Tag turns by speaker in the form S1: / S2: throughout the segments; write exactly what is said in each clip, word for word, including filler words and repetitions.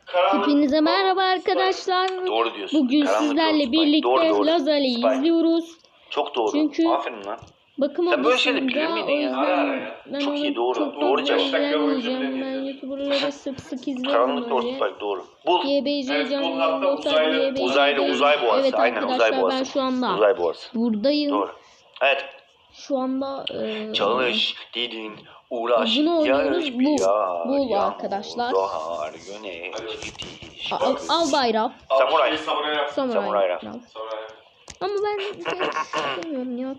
S1: Hepinize merhaba arkadaşlar.
S2: Doğru diyorsun.
S1: Bugün
S2: Karanlık
S1: sizlerle
S2: doğru,
S1: birlikte
S2: doğru, doğru.
S1: Lazer'i
S2: Spike.
S1: izliyoruz.
S2: Çok doğru.
S1: Çünkü
S2: Aferin lan.
S1: bakım
S2: Sen böyle şeyleri
S1: odasında,
S2: bilir
S1: o
S2: miydin ya?
S1: yüzden
S2: Ara ara ya.
S1: ben
S2: Çok
S1: onu
S2: iyi, doğru.
S1: çok
S2: Doğru
S1: fazla
S2: cevap.
S1: izlemeyeceğim. Ben YouTuber'ları sık sık izliyorum
S2: Karanlık doğru
S1: böyle.
S2: Spike doğru. Bul.
S1: Y B C
S3: Evet,
S1: canlı
S3: bul, hatta
S1: dostlar,
S3: uzaylı-
S1: Y B C
S2: Uzaylı uzay boğası.
S1: Evet
S2: Aynen uzay
S1: arkadaşlar,
S2: boğası.
S1: ben şu anda
S2: Uzay boğası.
S1: buradayım.
S2: Doğru. Evet.
S1: Şu anda e,
S2: Çalış, didin, uğraş.
S1: Bunu oynuyoruz.
S2: yarış,
S1: Bul.
S2: yağar,
S1: Bul
S2: yağmur,
S1: arkadaşlar.
S2: Doğar, güneş, gidiş.
S1: al, al bayrak.
S2: Samuray.
S3: Samuray yap.
S1: Samuray.
S2: Samuray raf.
S1: Raf.
S3: Samuray yap.
S1: Ama ben istemiyorum ya.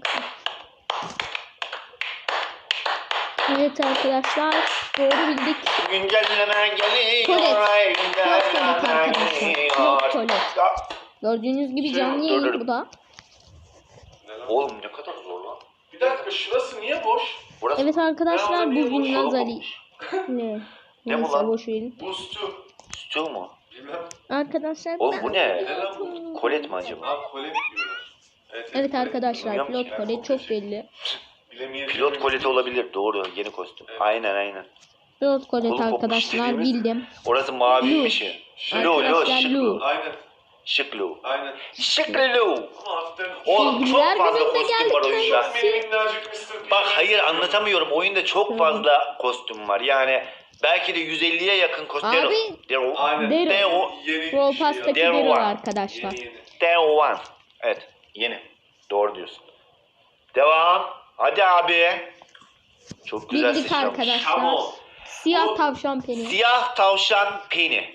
S1: Evet arkadaşlar, doğru bildik.
S2: Güncel hemen geliyor.
S1: Kolet.
S2: ay,
S1: Kolet
S2: güncel hemen
S1: arkadaşlar.
S2: geliyor.
S1: Yok kolet.
S2: Ya,
S1: Gördüğünüz gibi
S3: Şey,
S1: canlı
S2: dur,
S1: yayın
S2: dur.
S1: bu da.
S3: Ne lan?
S2: Oğlum ne kadar zor lan.
S3: Bir dakika, şurası niye boş?
S2: Burası
S1: Evet arkadaşlar,
S3: Ben orada niye
S1: bugün
S3: boş
S1: Lazer'i
S2: olmamış?
S1: ne?
S2: Ne bu
S1: Neyse,
S2: lan?
S1: boş verin.
S3: Bu stu.
S2: Stüdyo mu?
S3: Bilmem.
S1: Arkadaşlar
S2: Oğlum
S1: ben-
S2: bu ne?
S3: Ne lan bu?
S2: Kolet mi acaba?
S3: Ha, kole mi diyorlar? Evet,
S1: Evet
S3: kole.
S1: arkadaşlar,
S2: Bilmiyorum
S1: pilot
S2: ki.
S1: kolet çok belli.
S3: Bilemeyebilirim.
S2: Pilot koleti olabilir. Doğru. Yeni kostüm.
S3: Evet.
S2: Aynen aynen.
S1: Pilot kolet
S2: Kolu kopmuş
S1: arkadaşlar,
S2: dediğimiz-
S1: bildim.
S2: Orası maviymiş ya. Lu lu
S1: Arkadaşlar,
S2: şık
S1: Lu.
S2: lu.
S3: Aynen.
S2: Şık lu.
S3: Aynen.
S2: Şık lu.
S3: Ama hafiften...
S2: Oğlum çok
S1: Bilgiler
S2: fazla
S1: gününde
S2: kostüm var
S1: geldik
S2: oyunda.
S1: lan.
S3: Benim minnacık mister P.
S2: Bak hayır anlatamıyorum. Oyunda çok fazla kostüm var. Yani belki de yüz elliye yakın kostüm.
S1: Abi,
S2: Dero.
S3: Aynen.
S1: Dero.
S2: Dero.
S3: Yeni
S1: Pro
S3: bir şey
S1: Pass'taki
S2: Dero
S1: Dero
S2: var.
S1: arkadaşlar.
S3: Yeni yeni.
S2: Dero one. Evet. Yeni. Doğru diyorsun. Devam. Hadi abi. Çok güzel
S1: Bildik
S2: sıçramış.
S1: arkadaşlar.
S3: Tamam.
S1: Siyah
S3: Bu-
S1: tavşan peni.
S2: Siyah tavşan peni.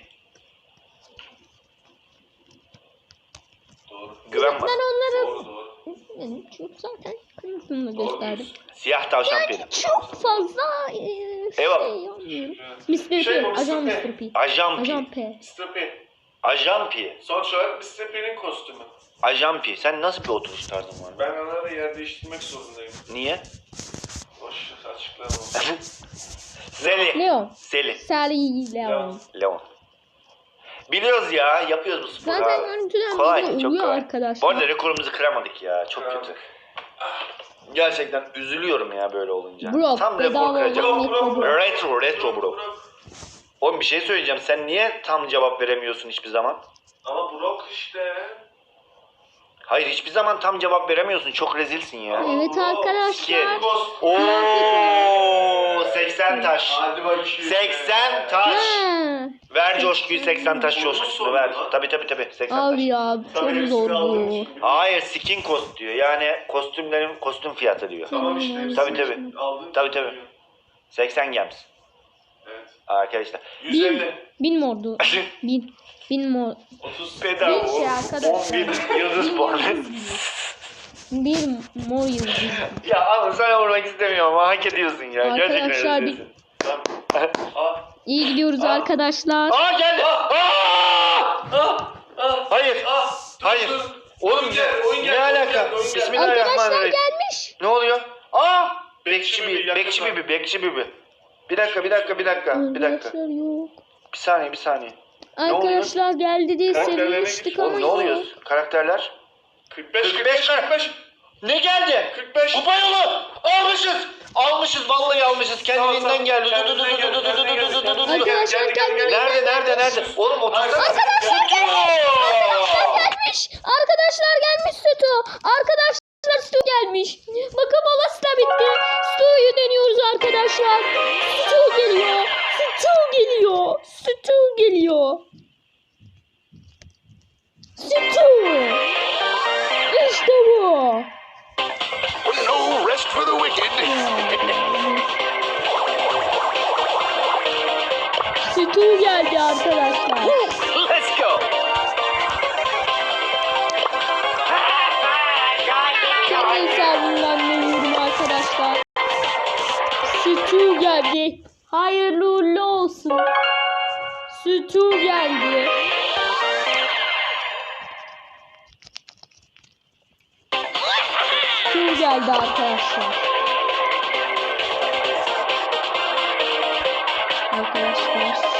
S3: Doğru.
S2: Güven
S1: Ben
S2: bana.
S1: onları
S3: Doğru doğru.
S1: benim çünkü zaten kırmızını da
S3: Doğru
S1: gösterdim.
S3: diyorsun.
S2: Siyah tavşan peni.
S1: Çok fazla e, şey
S2: Eyvallah.
S1: yapmıyorum.
S3: Evet.
S1: mister
S3: Şey,
S1: P,
S3: bu
S1: ajan
S3: mister P.
S1: mister P.
S2: Ajan P.
S1: Ajan P.
S3: mister P.
S2: Ajan P.
S3: Sonuç olarak mister P'nin kostümü.
S2: Ajan P. Sen nasıl bir oturuş tarzın var?
S3: Ben onlara yer değiştirmek zorundayım.
S2: Niye?
S3: Boş açıklamam.
S2: Seli.
S1: Leon.
S2: Seli.
S1: Sally Leon.
S2: Leon. Biliyoruz ya. Yapıyoruz bu sporu.
S1: Zaten
S2: abi.
S1: görüntüden
S2: Kolay.
S1: böyle
S2: Çok
S1: oluyor
S2: kolay.
S1: arkadaşlar.
S2: Bu arada rekorumuzu kıramadık ya. Çok
S3: Kıramadık.
S2: kötü. Gerçekten üzülüyorum ya böyle olunca.
S1: Bro,
S2: Tam
S1: bedava
S2: rekor kıracağım.
S1: olan
S3: Bro, bro, bro.
S2: Retro, retro bro. Oğlum bir şey söyleyeceğim. Sen niye tam cevap veremiyorsun hiçbir zaman?
S3: Ama Brock işte.
S2: Hayır hiçbir zaman tam cevap veremiyorsun. Çok rezilsin ya.
S1: Evet arkadaşlar.
S2: Ooo seksen taş.
S3: Hadi bakayım.
S2: seksen taş.
S1: Ha.
S2: Ver coşkuyu seksen taş coşkusunu ver. Tabi tabi tabi seksen taş.
S1: Abi ya çok
S3: Tabii hepsini
S1: zor
S3: aldım
S1: bu.
S3: şimdi.
S2: Hayır skin cost diyor. Yani kostümlerin kostüm fiyatı diyor.
S3: Tamam işte.
S2: Tabii, tabii.
S3: Aldın.
S2: Tabii, tabii. seksen gems.
S3: Evet.
S2: Arkadaşlar.
S3: yüz elli.
S1: Bin mordu. Bin. Bin mor.
S3: otuz.
S2: Bedava.
S1: Bir şey arkadaşlar.
S2: on bin yıldız puanı.
S1: Bir mor yıldız.
S2: Ya ama sana vurmak istemiyorum ama hak ediyorsun ya. Gerçekten
S1: Arkadaşlar, bir-
S2: ediyorsun.
S3: Tamam. Aa.
S1: İyi gidiyoruz
S3: Aa.
S1: arkadaşlar.
S2: Aa geldi. Aa!
S3: Ah. Ah.
S2: Hayır.
S3: Ah. Dur,
S2: Hayır.
S3: dur.
S2: Oğlum
S3: Oyun gel, oyun
S2: ne
S3: gel, oyun
S2: alaka?
S3: gel, oyun gel.
S1: Arkadaşlar
S2: Bismillahirrahmanirrahim.
S1: gelmiş.
S2: Ne oluyor? Aa!
S3: Bekçi
S2: Bekçi
S3: bibi,
S2: bibi, bekçi
S3: yaklaşma.
S2: bibi, bekçi bibi. Bir dakika, bir dakika, bir dakika, bir dakika.
S1: Arkadaşlar yok.
S2: Bir saniye, bir saniye.
S1: Arkadaşlar geldi diye
S3: Karakterlerine
S1: sevinmiştik
S3: git.
S1: ama
S2: Oğlum ne
S1: yok.
S2: oluyor? Karakterler?
S3: kırk beş,
S2: kırk
S3: kırk
S2: beş,
S3: beş, kırk beş.
S2: Ne geldi?
S3: kırk beş.
S2: Kupa yolu! Almışız! Almışız, vallahi almışız. Kendiliğinden
S3: Tamam,
S2: geldi.
S3: tamam.
S2: Du du du du du du du du du du du du du.
S1: Arkadaşlar
S3: Gel, gel, gel,
S1: geldi.
S2: Nerede, nerede, nerede? Oğlum otursana.
S1: Arkadaşlar gelmiş. Arkadaşlar gelmiş Sütü. Arkadaşlar Sütü gelmiş. Bakın molası da bitti. Sütü'yü deniyoruz arkadaşlar. Sütü geliyor. Sütü geliyor. Sütü geliyor. Sütü. İşte bu.
S4: No rest for the wicked.
S1: Sütü geldi arkadaşlar.
S2: Let's go.
S1: Kendi hesabımdan deniyorum arkadaşlar. Sütü geldi. Hayırlı uğurlu olsun. Sütü geldi. Sütü geldi arkadaşlar. Arkadaşlar